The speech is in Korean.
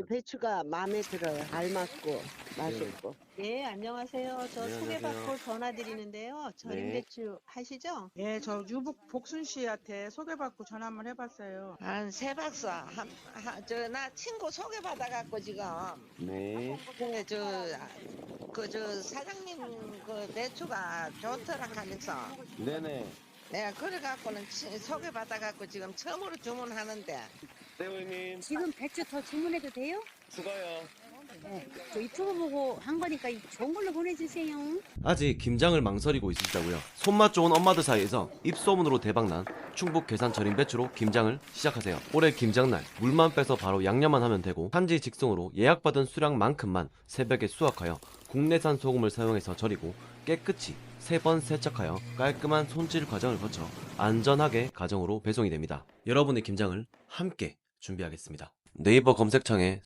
배추가 마음에 들어요. 알맞고 맛있고. 네, 안녕하세요. 저 네, 소개받고 안녕하세요. 전화드리는데요. 절임 네. 배추 하시죠? 예, 저 유복 복순 씨한테 소개받고 전화 한번 해봤어요. 한 세 박스 나 친구 소개받아갖고 지금 네. 근데 저 사장님 그 배추가 좋더라 하면서 네네. 내가 그래갖고는 소개받아갖고 지금 처음으로 주문하는데 네, 고객님. 지금 배추 더 주문해도 돼요? 추가요. 네. 저 유튜브 보고 한 거니까 좋은 걸로 보내주세요. 아직 김장을 망설이고 있으시다고요? 손맛 좋은 엄마들 사이에서 입소문으로 대박난 충북 괴산 절임 배추로 김장을 시작하세요. 올해 김장날 물만 빼서 바로 양념만 하면 되고 산지 직송으로 예약받은 수량만큼만 새벽에 수확하여 국내산 소금을 사용해서 절이고 깨끗이 3번 세척하여 깔끔한 손질 과정을 거쳐 안전하게 가정으로 배송이 됩니다. 여러분의 김장을 함께 준비하겠습니다. 네이버 검색창에